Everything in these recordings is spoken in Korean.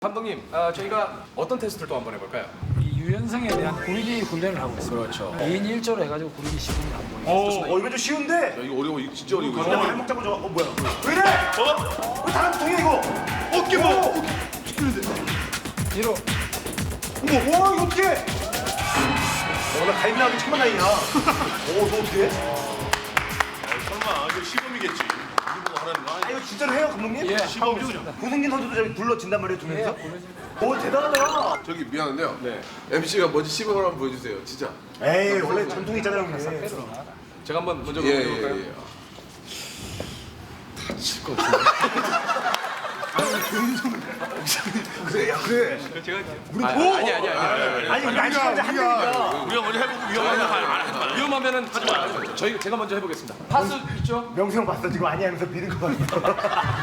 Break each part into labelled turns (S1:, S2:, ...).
S1: 감독님, 저희가 어떤 테스트를 또 한번 해볼까요?
S2: 이 유연성에 대한 구르기 훈련을 하고 있습니다.
S1: 그렇죠.
S2: 2인 1조로 해가지고 구르기 시범을 하고 있습니다.
S3: 이거 좀 쉬운데?
S4: 야, 이거 어려워. 이거 진짜 어려워. 이거.
S3: 잘 먹자고 좋아. 뭐야? 왜 이래? 왜 다른 통이야 이거? 어깨 뭐?
S2: 뒤로
S3: 어머, 와 이거 어떻게? 나 가입 나가기 천만 다행이야. 너 어떻게 해?
S4: 설마 이거 시범이겠지. 이거 하는 거 아니야?
S3: 이거 진짜로 해요 감독님?
S2: 예,
S4: 시범이죠.
S3: 고승진 선수도 저기 불러진단 말이에요 두
S2: 예,
S3: 명이서?
S2: 구르지.
S3: 오 대단하다.
S4: 저기 미안한데요.
S1: 네.
S4: MC가 먼저 시범을 한번 보여주세요. 진짜.
S3: 에이 원래 전통이 있잖아요 형님.
S1: 제가 한번 먼저
S4: 예,
S1: 해볼까요?
S4: 예, 예. 다칠 것 같은데.
S3: 그래 야 그래.
S1: 아니.
S3: 아니 우리 아직까지 한 명이야.
S4: 우리가 먼저 해보고 위험하면 하지 마.
S1: 위험하면은 하지 마요. 제가 먼저 해보겠습니다. 파스 있죠?
S3: 명수 형 봤어 지금 아니 하면서 믿은 거 같아.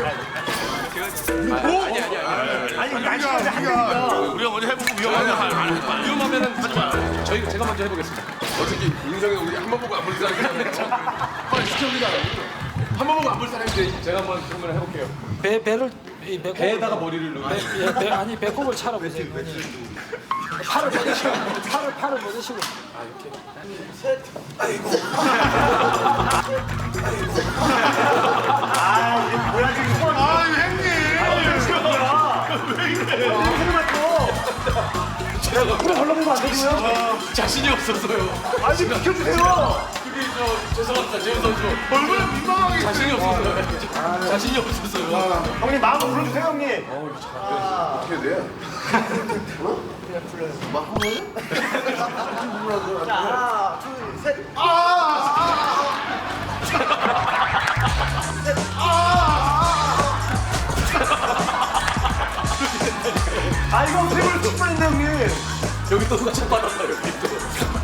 S3: 아니 우리 아직까지 한 명이야.
S4: 우리가 먼저 해보고 위험하면 하지 마.
S1: 위험하면은 하지 마요. 제가 먼저 해보겠습니다.
S4: 어차피 인생에 우리 한 번 보고 안 볼 사람이잖아. 빨리 시켜보자. 한 번 보고 안 볼 사람인데.
S1: 제가 한번 해볼게요.
S2: 배를 이 배꼽
S1: 배에다가 머리를 넣어.
S2: 아니 배꼽을 차려보세요. 팔을 뻗으시고 팔을 뻗으시고
S3: 아 이게 뭐야 지금 이거?
S4: 아, 형님.
S3: 왜 이래? 내가 그래 걸러보면 안 되고요?
S1: 자신이 없었어요.
S3: 아니 좀 비켜주세요.
S1: 그게 죄송합니다, 재훈 선수.
S4: 얼마나 민망하게.
S1: 자신이 없었어요. 자신이 없었어요.
S3: 형님 마음 불러주세요 형님.
S4: 어떻게 돼?
S3: 하나 둘 셋. 아 이거 어떻게 그럴 뻔했네 형님.
S1: 여기 또 누가 차 받았어요, 여기 또.